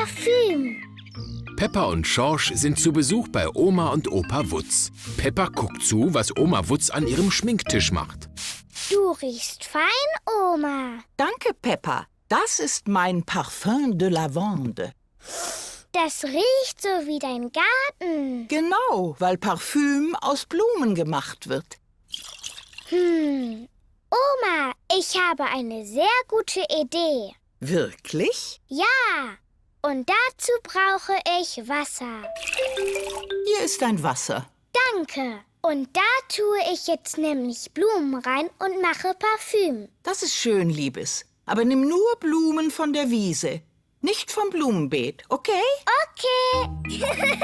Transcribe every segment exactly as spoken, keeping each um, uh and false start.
Parfüm. Peppa und Schorsch sind zu Besuch bei Oma und Opa Wutz. Peppa guckt zu, was Oma Wutz an ihrem Schminktisch macht. Du riechst fein, Oma. Danke, Peppa. Das ist mein Parfum de Lavande. Das riecht so wie dein Garten. Genau, weil Parfüm aus Blumen gemacht wird. Hm. Oma, ich habe eine sehr gute Idee. Wirklich? Ja. Und dazu brauche ich Wasser. Hier ist dein Wasser. Danke. Und da tue ich jetzt nämlich Blumen rein und mache Parfüm. Das ist schön, Liebes. Aber nimm nur Blumen von der Wiese, nicht vom Blumenbeet, okay? Okay.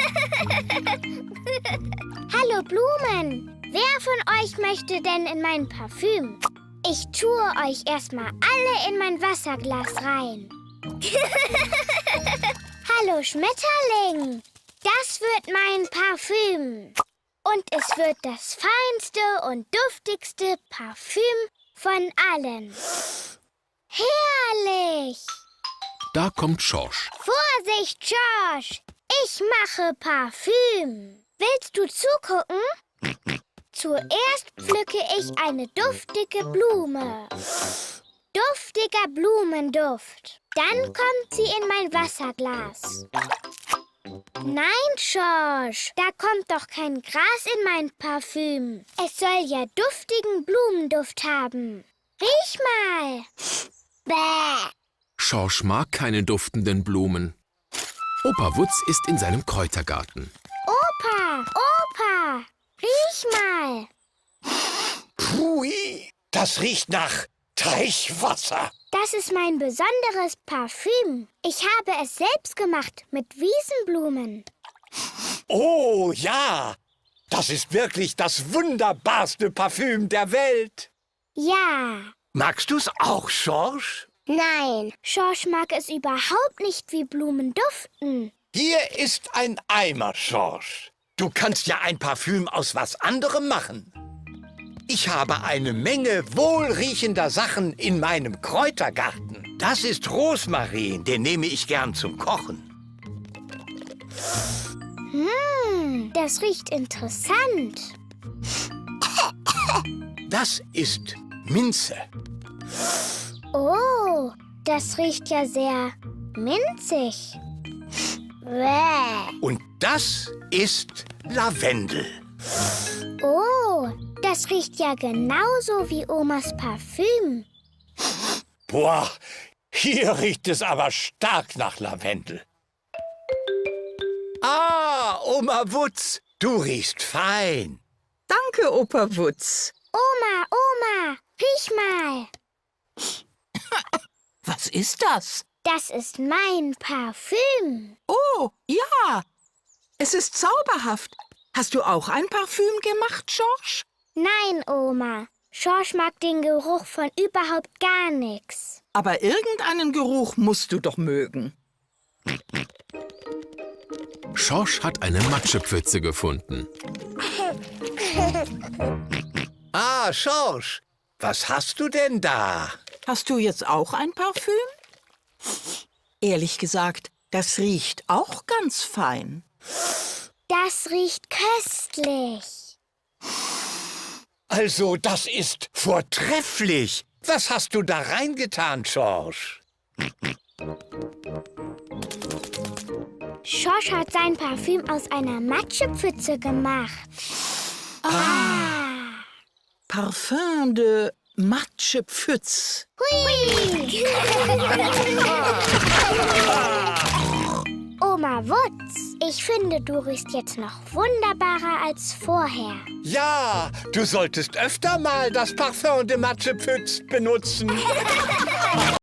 Hallo Blumen. Wer von euch möchte denn in mein Parfüm? Ich tue euch erstmal alle in mein Wasserglas rein. Hallo Schmetterling. Das wird mein Parfüm. Und es wird das feinste und duftigste Parfüm von allen. Herrlich! Da kommt Schorsch. Vorsicht, Schorsch! Ich mache Parfüm. Willst du zugucken? Zuerst pflücke ich eine duftige Blume. Duftiger Blumenduft. Dann kommt sie in mein Wasserglas. Nein, Schorsch, da kommt doch kein Gras in mein Parfüm. Es soll ja duftigen Blumenduft haben. Riech mal. Bäh. Schorsch mag keine duftenden Blumen. Opa Wutz ist in seinem Kräutergarten. Opa, Opa, riech mal. Pui, das riecht nach Teichwasser. Das ist mein besonderes Parfüm. Ich habe es selbst gemacht mit Wiesenblumen. Oh ja, das ist wirklich das wunderbarste Parfüm der Welt. Ja. Magst du's auch, Schorsch? Nein, Schorsch mag es überhaupt nicht, wie Blumen duften. Hier ist ein Eimer, Schorsch. Du kannst ja ein Parfüm aus was anderem machen. Ich habe eine Menge wohlriechender Sachen in meinem Kräutergarten. Das ist Rosmarin, den nehme ich gern zum Kochen. Hm, das riecht interessant. Das ist Minze. Oh, das riecht ja sehr minzig. Bäh. Und das ist Lavendel. Oh, das riecht ja genauso wie Omas Parfüm. Boah, hier riecht es aber stark nach Lavendel. Ah, Oma Wutz, du riechst fein. Danke, Opa Wutz. Oma, Oma, riech mal. Was ist das? Das ist mein Parfüm. Oh, ja. Es ist zauberhaft. Hast du auch ein Parfüm gemacht, Schorsch? Nein, Oma. Schorsch mag den Geruch von überhaupt gar nichts. Aber irgendeinen Geruch musst du doch mögen. Schorsch hat eine Matschepfütze gefunden. Ah, Schorsch, was hast du denn da? Hast du jetzt auch ein Parfüm? Ehrlich gesagt, das riecht auch ganz fein. Das riecht köstlich. Also, das ist vortrefflich. Was hast du da reingetan, Schorsch? Schorsch hat sein Parfüm aus einer Matschepfütze gemacht. Ah. Parfum de Matschepfütz. Hui! Oma Wutz, ich finde, du riechst jetzt noch wunderbarer als vorher. Ja, du solltest öfter mal das Parfum de Matschepfütz benutzen.